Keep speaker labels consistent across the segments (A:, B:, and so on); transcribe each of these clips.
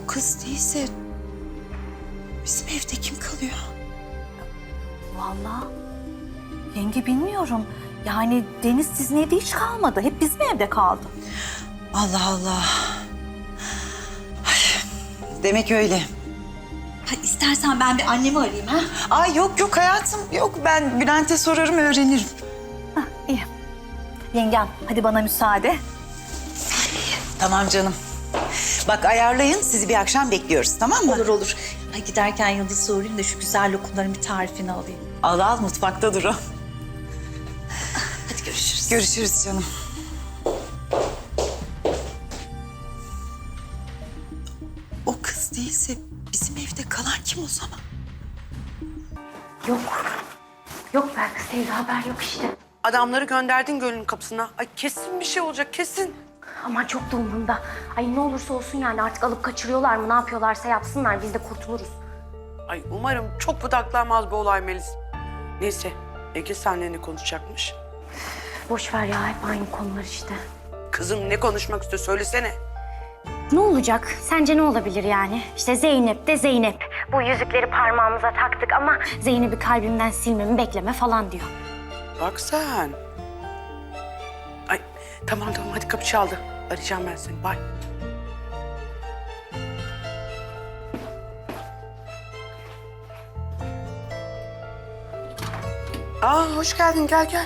A: kız değilse bizim evde kim kalıyor?
B: Vallahi yenge bilmiyorum. Yani Deniz sizin evde hiç kalmadı. Hep bizim evde kaldı.
A: Allah Allah. Ay, demek öyle.
B: Ha, istersen ben bir annemi arayayım ha.
A: Ay yok hayatım yok, ben Bülent'e sorarım öğrenirim.
B: Hah, iyi. Yengem hadi bana müsaade.
A: Tamam canım. Bak ayarlayın, sizi bir akşam bekliyoruz, tamam mı?
B: Olur. Ay, giderken Yıldız'a uğrayayım da şu güzel lokumların bir tarifini alayım.
A: Al mutfakta dur o.
B: Hadi görüşürüz.
A: Görüşürüz canım. O kız değilse bizim evde kalan kim o zaman?
C: Yok belki Sevda, haber yok işte.
D: Adamları gönderdin gölün kapısına. Ay kesin bir şey olacak, kesin.
C: Aman çok da umurumda. Ay ne olursa olsun yani, artık alıp kaçırıyorlar mı, ne yapıyorlarsa yapsınlar, biz de kurtuluruz.
D: Ay umarım çok budaklanmaz bu olay Melis. Neyse, Ege seninle ne konuşacakmış?
C: Boş ver ya, hep aynı konular işte.
D: Kızım ne konuşmak istiyor söylesene.
C: Ne olacak? Sence ne olabilir yani? İşte Zeynep de Zeynep. Bu yüzükleri parmağımıza taktık ama Zeynep'i kalbimden silmemi bekleme falan diyor.
D: Bak sen. Ay tamam hadi kapı çaldı. Arayacağım ben seni. Bye. Hoş geldin. Gel.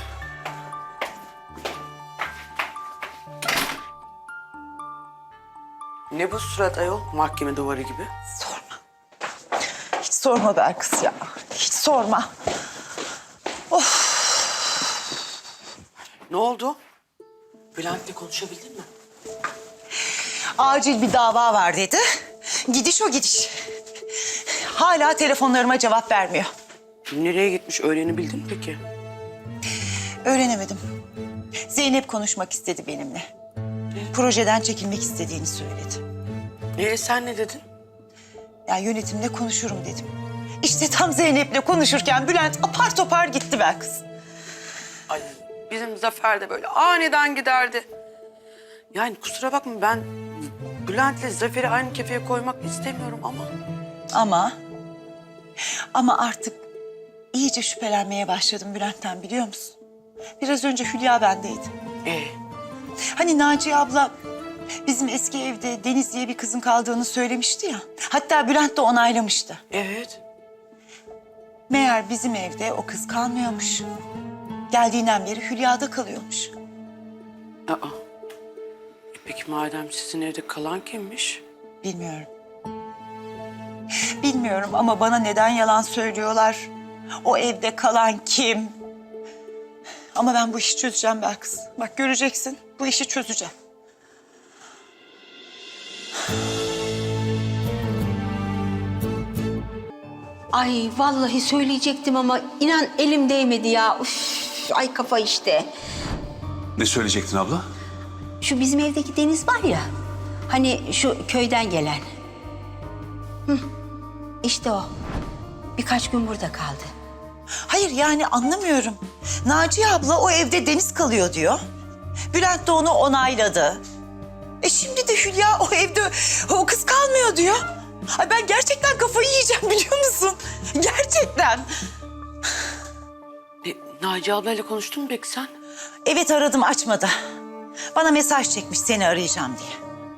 D: Ne bu surat ayol? Mahkeme duvarı gibi.
A: Sorma. Hiç sorma be kız ya. Hiç sorma.
D: Ne oldu? Bülent'le konuşabildin mi?
A: Acil bir dava var dedi. Gidiş o gidiş. Hala telefonlarıma cevap vermiyor.
D: Nereye gitmiş öğrenebildin mi peki?
A: Öğrenemedim. Zeynep konuşmak istedi benimle. Projeden çekilmek istediğini söyledi.
D: Sen ne dedin?
A: Ya yönetimle konuşurum dedim. İşte tam Zeynep'le konuşurken Bülent apar topar gitti be kız.
D: Ay bizim Zafer de böyle aniden giderdi. Yani kusura bakma ben Bülent'le Zafer'i aynı kefeye koymak istemiyorum
A: Ama artık iyice şüphelenmeye başladım Bülent'ten, biliyor musun? Biraz önce Hülya bendeydi. Hani Naciye abla bizim eski evde Deniz diye bir kızın kaldığını söylemişti ya. Hatta Bülent de onaylamıştı.
D: Evet.
A: Meğer bizim evde o kız kalmıyormuş. Geldiğinden beri Hülya'da kalıyormuş.
D: Peki madem sizin evde kalan kimmiş?
A: Bilmiyorum. Bilmiyorum ama bana neden yalan söylüyorlar? O evde kalan kim? Ama ben bu işi çözeceğim Belkıs. Bak göreceksin, bu işi çözeceğim.
E: Ay vallahi söyleyecektim ama inan elim değmedi ya. Üf, ay kafa işte.
F: Ne söyleyecektin abla?
E: Şu bizim evdeki Deniz var ya. Hani şu köyden gelen. İşte o. Birkaç gün burada kaldı.
A: Hayır yani anlamıyorum. Naciye abla o evde Deniz kalıyor diyor. Bülent de onu onayladı. Şimdi de Hülya o evde o kız kalmıyor diyor. Ay ben gerçekten kafayı yiyeceğim, biliyor musun? Gerçekten.
D: Naciye ablayla konuştun mu peki sen?
A: Evet aradım, açmadı. Bana mesaj çekmiş seni arayacağım diye.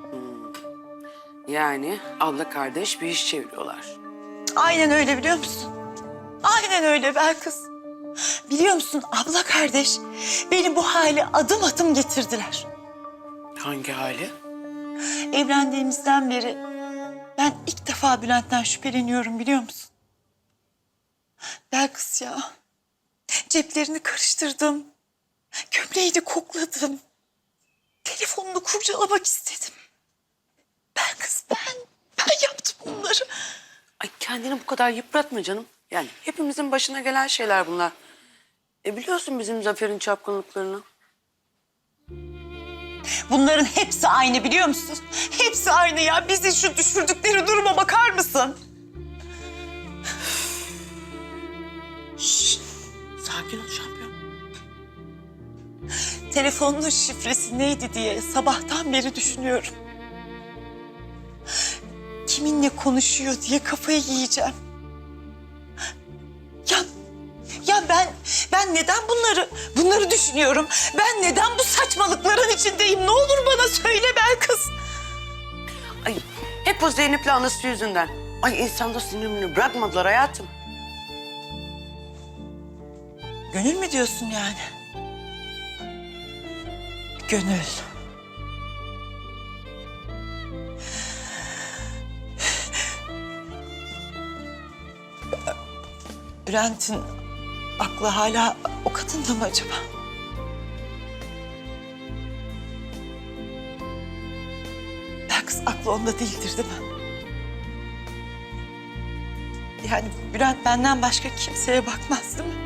D: Yani abla kardeş bir iş çeviriyorlar.
A: Aynen öyle, biliyor musun? Aynen öyle Belkıs. Biliyor musun abla kardeş beni bu hale adım adım getirdiler.
D: Hangi hali?
A: Evlendiğimizden beri ben ilk defa Bülent'ten şüpheleniyorum, biliyor musun? Belkıs ya. Ceplerini karıştırdım. Gömleğini kokladım. Telefonunu kurcalamak istedim. Belkıs ben yaptım bunları.
D: Ay kendini bu kadar yıpratma canım. Yani hepimizin başına gelen şeyler bunlar. Biliyorsun bizim Zafer'in çapkınlıklarını.
A: Bunların hepsi aynı, biliyor musun? Hepsi aynı ya. Bizi şu düşürdükleri duruma bakar mısın?
D: Şşt, sakin ol şampiyon.
A: Telefonun şifresi neydi diye sabahtan beri düşünüyorum. kiminle konuşuyor diye kafayı yiyeceğim. Ya ben neden bunları düşünüyorum? Ben neden bu saçmalıkların içindeyim? Ne olur bana söyle Belkıs.
D: Ay hep o Zeynep'le anası yüzünden. Ay insanda sinirini bırakmadılar hayatım.
A: Gönül mü diyorsun yani? Gönül. Bülent'in aklı hala o kadında mı acaba? Belkıs aklı onda değildir değil mi? Yani Bülent benden başka kimseye bakmaz değil mi?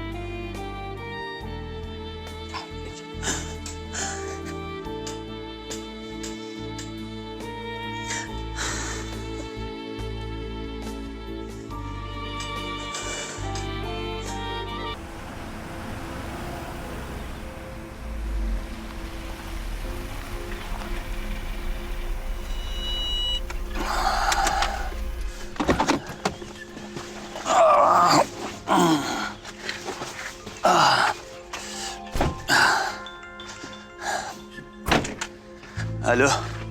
F: Alo.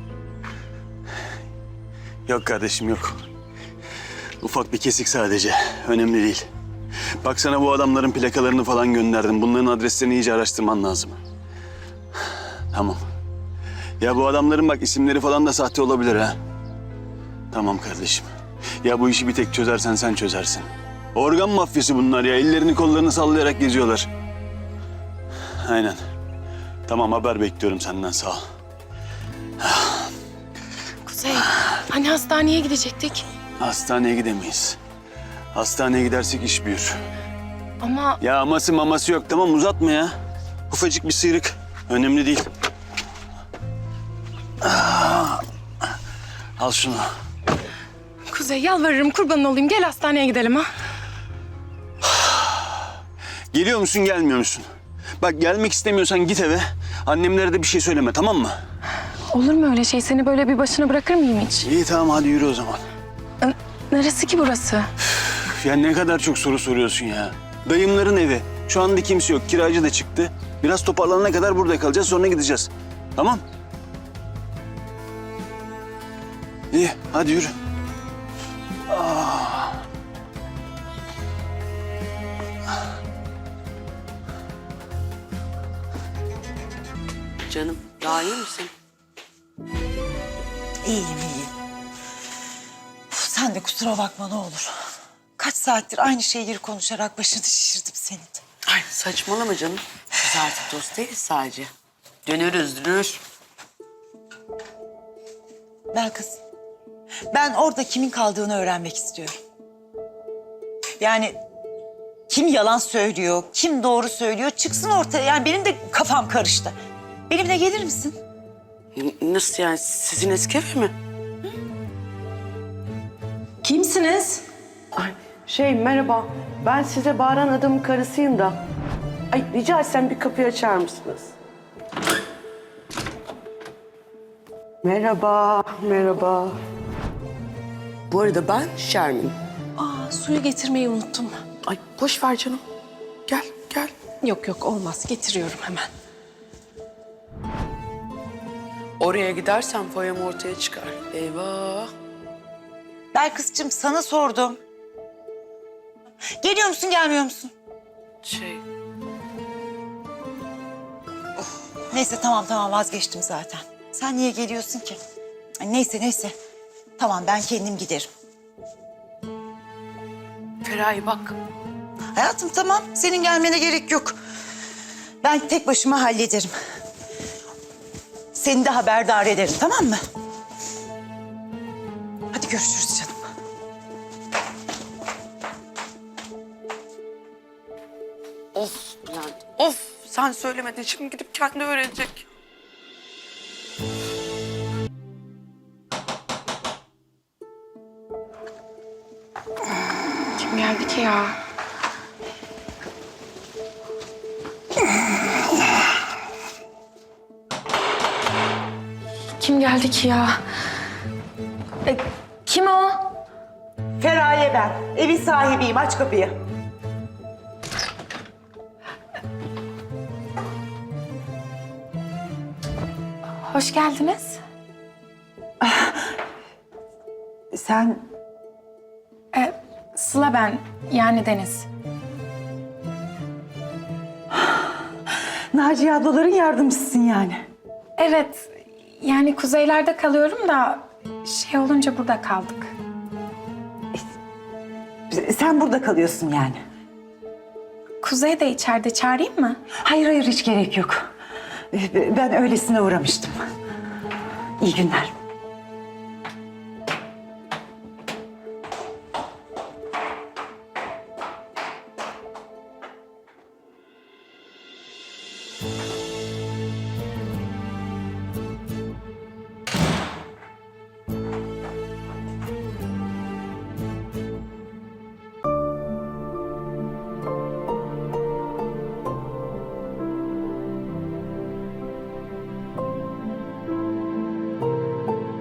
F: Yok kardeşim yok. Ufak bir kesik sadece. Önemli değil. Bak sana bu adamların plakalarını falan gönderdim. Bunların adreslerini iyice araştırman lazım. Tamam. Ya bu adamların bak isimleri falan da sahte olabilir ha. Tamam kardeşim. Ya bu işi bir tek çözersen sen çözersin. Organ mafyası bunlar ya. Ellerini kollarını sallayarak geziyorlar. Aynen. Tamam haber bekliyorum senden sağ ol.
G: Kuzey, hani hastaneye gidecektik?
F: Hastaneye gidemeyiz. Hastaneye gidersek iş büyür.
G: Ama
F: Ya aması maması yok tamam uzatma ya. Ufacık bir sıyrık. Önemli değil. Al şunu.
G: Kuzey yalvarırım kurban olayım gel hastaneye gidelim ha.
F: Geliyor musun gelmiyor musun? Bak gelmek istemiyorsan git eve. Annemlere de bir şey söyleme tamam mı?
G: Olur mu öyle şey? Seni böyle bir başına bırakır mıyım hiç?
F: İyi tamam hadi yürü o zaman.
G: Neresi ki burası?
F: Ya ne kadar çok soru soruyorsun ya. Dayımların evi. Şu anda kimse yok. Kiracı da çıktı. Biraz toparlanana kadar burada kalacağız sonra gideceğiz. Tamam? İyi hadi yürü.
D: Canım daha iyi misin?
A: İyiyim iyiyim. Uf, sen de kusura bakma ne olur. Kaç saattir aynı şeyleri konuşarak başını şişirdim senin de.
D: Ay saçmalama canım. Biz artık dost değiliz sadece. Dönür.
A: Belkıs, ben orada kimin kaldığını öğrenmek istiyorum. Yani kim yalan söylüyor, kim doğru söylüyor çıksın ortaya. Yani benim de kafam karıştı. Benimle gelir misin?
D: Nasıl yani sizin eski ev mi?
B: Kimsiniz?
D: Ay merhaba. Ben size bağıran adamın karısıyım da. Ay rica etsem bir kapıyı açar mısınız? Merhaba. Bu arada ben Şermin.
G: Aa, suyu getirmeyi unuttum.
D: Ay boş ver canım. Gel.
G: Yok olmaz getiriyorum hemen.
D: Oraya gidersem foyam ortaya çıkar. Eyvah.
A: Belkıs'cığım sana sordum. Geliyor musun gelmiyor musun? Neyse tamam vazgeçtim zaten. Sen niye geliyorsun ki? Ay, neyse. Tamam ben kendim giderim.
D: Feraye bak.
A: Hayatım tamam senin gelmene gerek yok. Ben tek başıma hallederim. Seni de haberdar ederim tamam mı? Hadi görüşürüz canım.
D: Of Bülent, of. Sen söylemedin, şimdi gidip kendi öğrenecek.
G: Kim geldi ki ya? Kim geldi ki ya?
C: Kim o?
A: Feraye ben. Evin sahibiyim. Aç kapıyı.
G: Hoş geldiniz.
A: Sen
G: Sıla ben, yani Deniz.
A: Naciye ablaların yardımcısın yani.
G: Evet, yani kuzeylerde kalıyorum da şey olunca burada kaldık.
A: Sen burada kalıyorsun yani.
G: Kuzey de içeride, çağırayım mı?
A: Hayır hiç gerek yok. Ben öylesine uğramıştım. İyi günler.